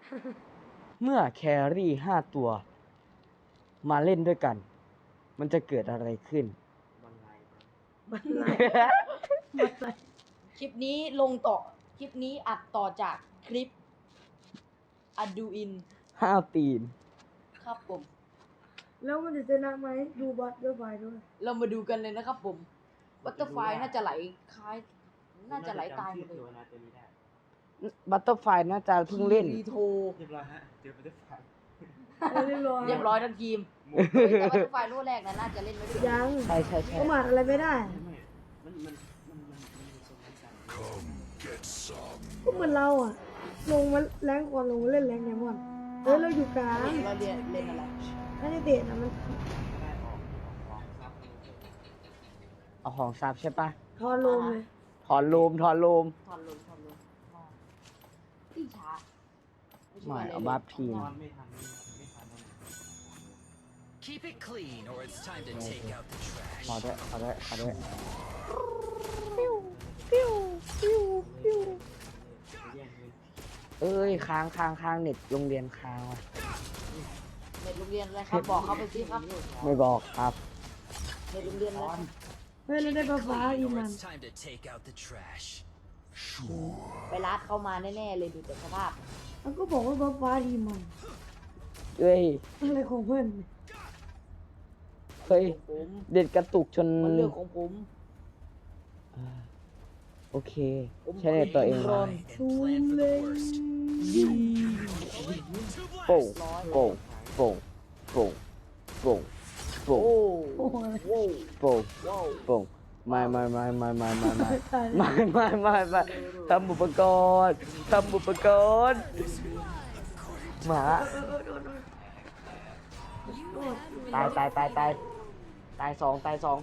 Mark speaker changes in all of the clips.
Speaker 1: เมื่อแครี่5 ตัว มาเล่นด้วยกัน มันจะเกิดอะไรขึ้น
Speaker 2: บันไล
Speaker 3: บันไลบันไล
Speaker 4: คลิปนี้ลงต่อคลิปนี้อัดต่อจากคลิปอดูอิน
Speaker 1: ตีน
Speaker 4: ครับผม
Speaker 3: แล้วมันจะชนะไหมดูบัตเตอร์ไฟด้วย
Speaker 4: เรามาดูกันเลยนะครับผมบัตเตอร์ไฟน่าจะไหลคล้ายน่าจะไหลตายหมดเลย
Speaker 2: นะตัวนี้ได้
Speaker 1: บัตเตอร์ไฟน่าจะเพิ่งเล่น
Speaker 4: รีโท
Speaker 2: เรียบร้อยฮะเจอบัตเตอร์ไฟ
Speaker 3: เรียบร้อย
Speaker 4: เรียบร้อยทั้งทีมเฮ้ยแต่บัตเตอร์ไฟรุ่นแรกนะน่าจะเล่นไม่ได้
Speaker 3: ยัง
Speaker 1: ใช่
Speaker 3: ก็หมาดอะไรไม่ได้
Speaker 2: ไม่มันมีทรงนั้นกัน
Speaker 3: ก็เหมือนเราอ่ะ ลงมาแรงก่อนลงมาเล่นแรงไงมอนเฮ้ยเราอยู่กลาง
Speaker 4: เราเรียนเล่นอะไร
Speaker 3: ถ้าได้เตะนะมัน
Speaker 2: ได้ออกครับ
Speaker 1: เอาของซับใช่ปะ
Speaker 3: ทอนลงเลย
Speaker 1: ถอนโลม
Speaker 4: ถอนลงที่ช้า
Speaker 1: ไม่เอาบัฟทีม
Speaker 2: นอนไม่ทันไม่ทัน
Speaker 5: Keep it clean, or it's time to take out the trash.
Speaker 1: ขอด้วย
Speaker 2: แย่งเงิน
Speaker 1: เอ้ยค้างเน็ตโรงเรียนค้างว่ะ
Speaker 4: เน็ตโรงเรียนอะไรครับบอกเขาไปสิครับ
Speaker 1: ไม่บอกครับ
Speaker 4: เน็ตโรงเรียนอะไรครับ
Speaker 3: เฮ้ยเราได้ฟ้า
Speaker 5: Clean,
Speaker 3: อี
Speaker 5: or
Speaker 3: มัน
Speaker 5: it's time to take out the trash.
Speaker 4: ไปรัดเข้ามาแน่ๆเลยดูแต่สภาพ
Speaker 3: มันก็บอกว่าฟ้าอีมัน
Speaker 1: เอ้ย
Speaker 3: อะไรของเพื่อน
Speaker 1: เฮ้ย
Speaker 4: ผม
Speaker 1: เด็ดกระตุกจน
Speaker 4: มันเรื่องของผม
Speaker 1: โอเค ใช้เน็ตตัวเอง
Speaker 5: Aim
Speaker 1: มา
Speaker 5: high and plan for the worst.
Speaker 1: โป่งโป่งโป่งโป่งโป่งโป่ง
Speaker 4: โอ้
Speaker 3: โอ้โห
Speaker 4: โว้
Speaker 1: โป่ง
Speaker 4: ว้าว
Speaker 1: โป่งไม่ทำอุปกรณ์หมาตายสองจะตายสาม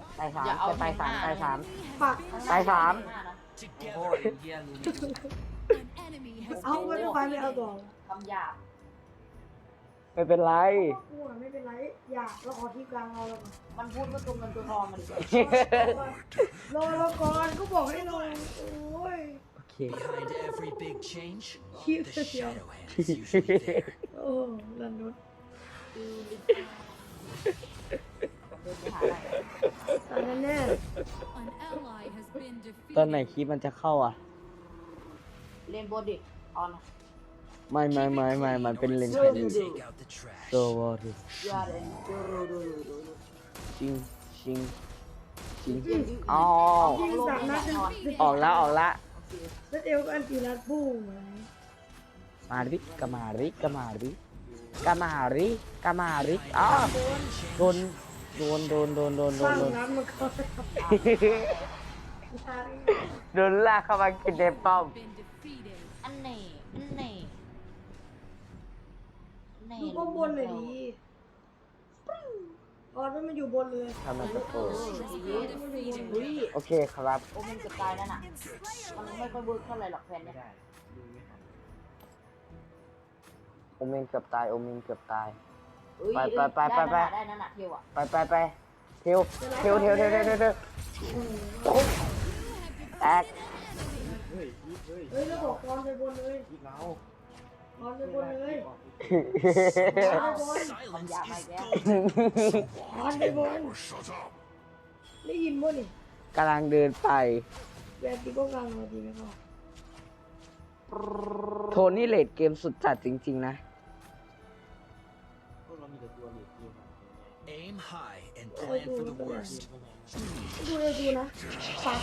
Speaker 3: ปัก
Speaker 1: ตายสาม
Speaker 2: โอ้ยเฮียรู้
Speaker 3: เอาบัตเตอร์ไฟไม่เอาต่อ
Speaker 4: คำหยาบ
Speaker 1: ไม่เป็นไร
Speaker 3: กูอ่ะไม่เป็นไรอยากเราขอที่กลางเราแล้วก่อน
Speaker 4: มันพูดว่าตัวเงินตัวทองมันดิ
Speaker 3: รอเราก่อนก็บอกให้ลงโอ้ย
Speaker 1: โอเค
Speaker 5: Behind every big change,
Speaker 3: Cute.
Speaker 5: the shadow hand is usually there.
Speaker 3: โอ้ลันนุษ
Speaker 4: เดินไปหาอะไร
Speaker 3: ตอนนั้นแน่
Speaker 6: An ally has been
Speaker 1: ตอนไหน
Speaker 6: defeated.
Speaker 1: คลิปมันจะเข้าอ่ะ
Speaker 4: เล่นบนดิออน
Speaker 1: ไม่มันเป็นเลน
Speaker 5: It's
Speaker 1: แค่
Speaker 5: time
Speaker 1: นี้
Speaker 5: to take out the trash.
Speaker 1: โซวอร์
Speaker 4: ยาเรนดู
Speaker 1: ชิงอ๋อ
Speaker 3: ยิง3 นัดเป็น
Speaker 1: ออกละ
Speaker 3: แล้วเอวก็อันตีรัดพุ่งไหม
Speaker 1: มาริกามาริอ๋อโดน
Speaker 3: สร้างน้ำมันก็
Speaker 1: โดนลากเข้ามากินในป้อม
Speaker 6: Been defeated.
Speaker 4: อันนี้
Speaker 3: ดูป้อมบนหน่อยดีออนมันอยู่บนเลย
Speaker 1: ทำไมตะโกน
Speaker 4: อุ้ย
Speaker 1: โอเคครับ
Speaker 4: โอเมนสกายนั่นน่ะมันไม่ค่อยเวิร์กเท่าไหร่หรอกแฟนเนี่ย
Speaker 2: ได้ดูไม่ทัน
Speaker 1: โอเมนเกือบตาย
Speaker 4: อุ้ย
Speaker 1: ไป
Speaker 4: ได้นั่นน่ะเที่ยวอ่ะ
Speaker 1: ไปเทวแตก
Speaker 2: เฮ้ย
Speaker 3: เฮ้ยแล้วบอกออนไปบนเลย
Speaker 2: ยิงเรา
Speaker 3: ออนไปบนเลย
Speaker 4: คำหยาบไปแล้ว
Speaker 3: ออนไปบนได้ยินมั้ยนี่
Speaker 1: กำลังเดินไป
Speaker 3: แบบตีก็กลางมาดีไหมครับ
Speaker 1: โทนี่เลดเกมสุดจัดจริงๆนะ
Speaker 2: พวกเรามีแต่ตัวเหล็กเดียว
Speaker 5: Aim high and plan for the worst.
Speaker 3: ดูเลยดูนะปัก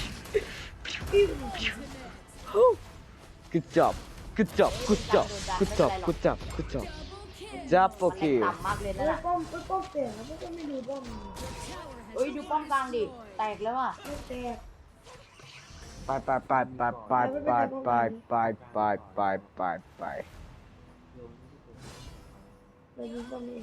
Speaker 1: good job จับโอเค
Speaker 4: ต่ำมากเลยนั่นน่ะ
Speaker 3: ป้อมแตกแล้วก็ไม่ดูป้อม
Speaker 4: เฮ้ยดูป้อมกลางดิแตกแล้วอ่ะ
Speaker 3: ไม่แตก
Speaker 1: ไป
Speaker 3: เรายิงป้อมนี่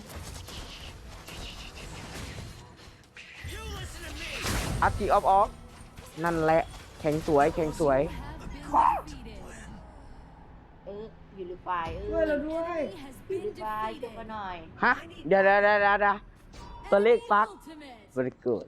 Speaker 1: อัพทีออฟนั่นแหละแข็งสวย
Speaker 6: Have been defeated.
Speaker 4: อยู่หรือไฟ
Speaker 3: ช่วยเราด้วย
Speaker 6: Has
Speaker 4: อยู่หรื
Speaker 6: been
Speaker 4: อไฟขึ้นมา
Speaker 6: defeated.
Speaker 4: หน่อย
Speaker 1: ฮะ เดี๋ยวตัวเลขปัก
Speaker 6: Ultimate.
Speaker 1: very good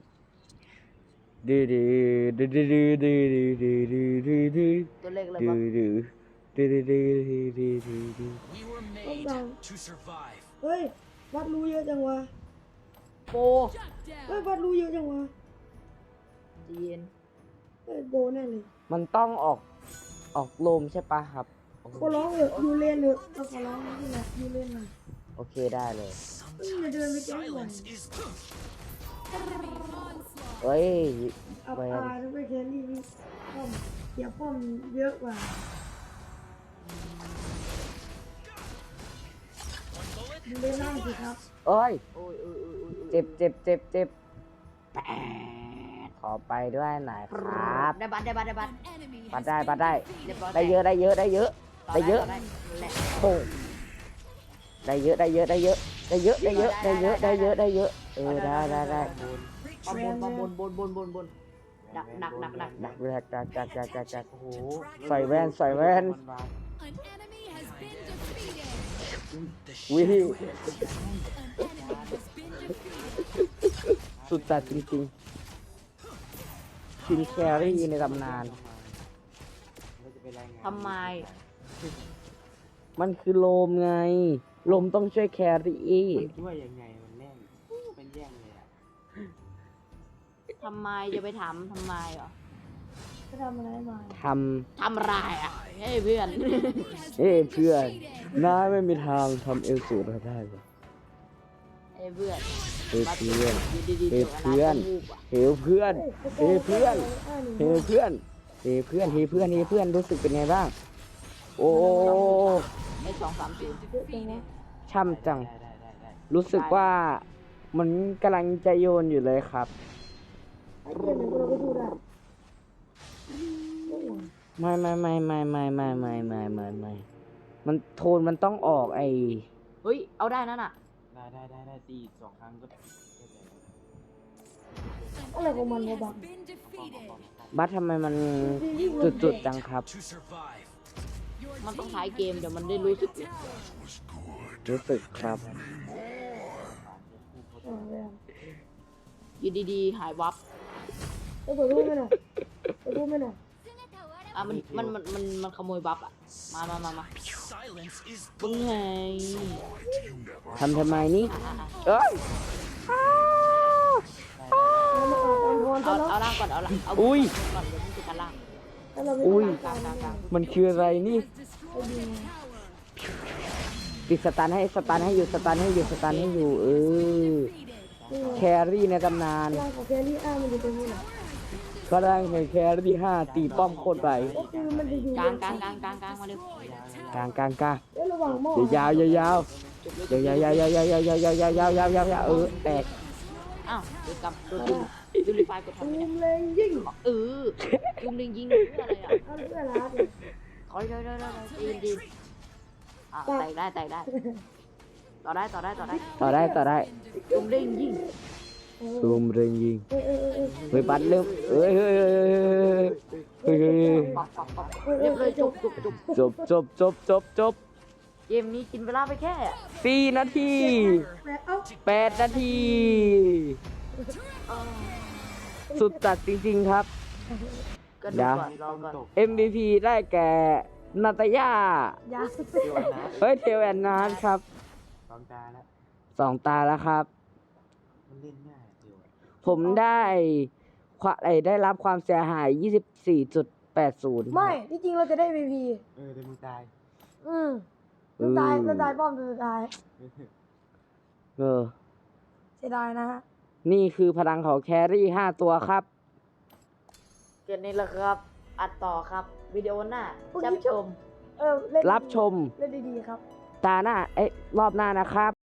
Speaker 1: ดื้อ
Speaker 4: ตัวเลขอะไร
Speaker 1: ดื้
Speaker 4: วะ
Speaker 1: อดีดีดีดีดีดี
Speaker 5: We were made to survive.
Speaker 3: เฮ้ยวัดรู้เยอะจังวะ
Speaker 4: โป
Speaker 6: Shut
Speaker 3: เฮ้ย
Speaker 6: down.
Speaker 3: วัดรู้เยอะจังวะ
Speaker 4: ใจเย็น
Speaker 3: เฮ้ยโบแน่เลย
Speaker 1: มันต้องออกโลมใช่ปะครับ
Speaker 3: ขอร้องเถอะยูเลนเถอะเราขอร้องนี่แหละยูเลนหน่อย
Speaker 1: โอเคได้เลย
Speaker 5: Sometimes silence is
Speaker 6: Enemy onslaught.
Speaker 1: เอ้ย
Speaker 3: อับ
Speaker 1: แว
Speaker 3: อาน ยทั้งไปแครี่นี่ป้อมเสียป้อมเยอะกว่า ยูเลนล่างสิครับ
Speaker 1: เอ้ย
Speaker 4: โอ้ยโอ้ยโอ้ยโอ้ย
Speaker 1: เจ็บเจ็บเจ็บเจ็บแปะขอไปด้วยหน่อยครับ
Speaker 4: ได้บัตรได้บัตรได้บัตร
Speaker 6: An enemy
Speaker 1: ปัด
Speaker 6: has
Speaker 1: ได้
Speaker 6: been
Speaker 1: ปัดได้
Speaker 6: defeated.
Speaker 4: เรียบร้อย
Speaker 1: ได้เยอะได้เยอะได้เยอะ ได้เยอะ
Speaker 4: ได้แหละ
Speaker 1: โอ้ได้เยอะได้เยอะได้เยอะได้เยอะได้เยอะได้เยอะได้เยอะได้เยอะได้
Speaker 4: ปะบนปะบนดักดัก
Speaker 1: ดักแรกดัก
Speaker 2: โอ้โห
Speaker 1: ใส่แว่นใส่แว่น
Speaker 2: มันวาง
Speaker 6: An enemy has been defeated.
Speaker 5: the
Speaker 1: วิ
Speaker 6: An
Speaker 5: shadow.
Speaker 6: enemy has been defeated.
Speaker 1: สุดจัดจริงๆทีมแครี่ในตำนาน
Speaker 2: เราจะไปรายงาน
Speaker 4: ทำไม
Speaker 1: มันคือโลมไง โลมต้องช่วยแครี่
Speaker 2: มันช่วยยังไงมันแน่นเป็นแย่งเลยอ่ะ
Speaker 4: ทำไมจะไปถามทำไมเหรอ
Speaker 3: จะทำอะไรมา
Speaker 1: ท
Speaker 4: ทำไรอ่ะเฮ้ยเพื่อน
Speaker 1: ำเพื่อนนายไม่มีทางทำเอลสูตรได้หรอก
Speaker 4: เฮ้ยเพื่อน
Speaker 1: เพื่อน
Speaker 4: อยู่ดีๆ
Speaker 1: เฮ้ย
Speaker 4: เดี๋ยว
Speaker 1: เพื่อน
Speaker 4: ะไรก็วูบอ่ะ
Speaker 1: เฮ้เพื่อนเฮ้เพื่อนเฮ้เพื่อนเฮ้เพื่อนเฮ้เพื่อนรู้สึกเป็นไงบ้าง โอ้
Speaker 4: ไอ้230
Speaker 3: เยอะจังวะ
Speaker 1: ช่ำจัง
Speaker 2: ได้
Speaker 1: รู้สึกว่ามันกำลังจะโยนอยู่เลยครับ
Speaker 3: ไอ้เกมเนี่ยเราก็ดูได้โอ้โห
Speaker 1: ไม่มันโทนมันต้องออกไอ
Speaker 4: เฮ้ยเอาได้นั่นอ่ะ
Speaker 2: ได้ตีอีก2 ครั้งก็
Speaker 3: อะไรของมันวะ
Speaker 6: Has
Speaker 3: บัง
Speaker 6: been defeated.
Speaker 1: บัสทำไมมันจุดๆจังครับ
Speaker 5: To survive.
Speaker 6: Your
Speaker 4: มันต้อง
Speaker 6: team
Speaker 4: ท้ายเกม
Speaker 6: has
Speaker 4: เดี๋ยวมันได้รู้สึก
Speaker 6: destroyed a tower.
Speaker 1: รู้สึกครับ
Speaker 3: อ๋อแล้ว
Speaker 4: อยู่ดีๆหายวับ
Speaker 3: เปิดรูปไหมน่ะเปิดรูปไหมน่ะ
Speaker 4: อ่ะมันขโมยบัฟอ่ะมา
Speaker 5: Silence is
Speaker 4: ปึ้งไง
Speaker 1: ทำไมนี่
Speaker 4: อ่ะ
Speaker 1: เอ้ย
Speaker 3: เรามาอ่านตามพรซะเนาะ
Speaker 4: เอาล่างก่อนเอาล่างเอา
Speaker 1: อุ้ย
Speaker 4: ก่อนเดี๋ยวมึงจะกันล่าง
Speaker 3: ถ้าเราไม่
Speaker 1: อุ้ย
Speaker 3: ทำตามการ
Speaker 1: มันคืออะไรนี่
Speaker 6: Has destroyed a tower.
Speaker 1: ติดสตันให้อยู่สตันให้อยู่เออ
Speaker 6: Defeated.
Speaker 1: แครี่ในตำนาน
Speaker 3: ร่างของแครี่อ้ามันอยู่ตรงนี้แหละ
Speaker 1: ก็ได้ในแครี่5ตีป้อมโคตรไป
Speaker 3: ก็คือมันจะอยู่
Speaker 4: กลางมาเร็ว
Speaker 1: กลาง
Speaker 3: แล้วระหว่างหม้อย
Speaker 1: าวแตก
Speaker 4: อ้าวเดี๋ยวกลับตัวดูรีไฟล์กดทำ
Speaker 3: ตู
Speaker 4: ไมเนี่ย
Speaker 3: มเลงยิ่ง
Speaker 4: ยุงลิงยิงเพื่ออะไรอ่ะ
Speaker 3: เอาเพื่อรัดเลย
Speaker 4: ขอได้ดีอ่ะแตกได้ต่อได้ยุงลิงยิง
Speaker 1: ตูมเริงยิง
Speaker 3: เออ
Speaker 1: เฮ้ยบัตรเริ่มเฮ้ย
Speaker 4: ปักเรียบเลยจบ เกมนี้กินเวลาไปแค่
Speaker 1: 4 นาที
Speaker 3: แม่เอ้า
Speaker 1: 8 นาที สุดจัดจริงๆครับ
Speaker 4: ก็ดูก่อนรอก่อน
Speaker 1: MVP ได้แก่นาตายา
Speaker 3: ยา
Speaker 2: เดี๋ยวนะ
Speaker 1: เฮ้ยเทลแอนนานครับ
Speaker 2: 2 ตาแล้ว
Speaker 1: 2 ตาแล้วครับ
Speaker 2: มันเล่นง่ายเดี๋ยว
Speaker 1: ผมได้รับความเสียหาย 24.80
Speaker 3: ไม่ที่จริงเราจะได้ VP
Speaker 2: เดี๋ยวมึงตาย
Speaker 3: เราตายป้อมสุดท้าย
Speaker 1: เออ
Speaker 3: เสียดายนะฮะ
Speaker 1: นี่คือพลังของแครี่ 5 ตัวครับ
Speaker 4: เกมนี้แหละครับ อัดต่อครับ วิดีโอหน้าจับชม
Speaker 3: เล่น
Speaker 1: รับชม
Speaker 3: เล่นดีๆครับ
Speaker 1: ตาหน้า รอบหน้านะครับ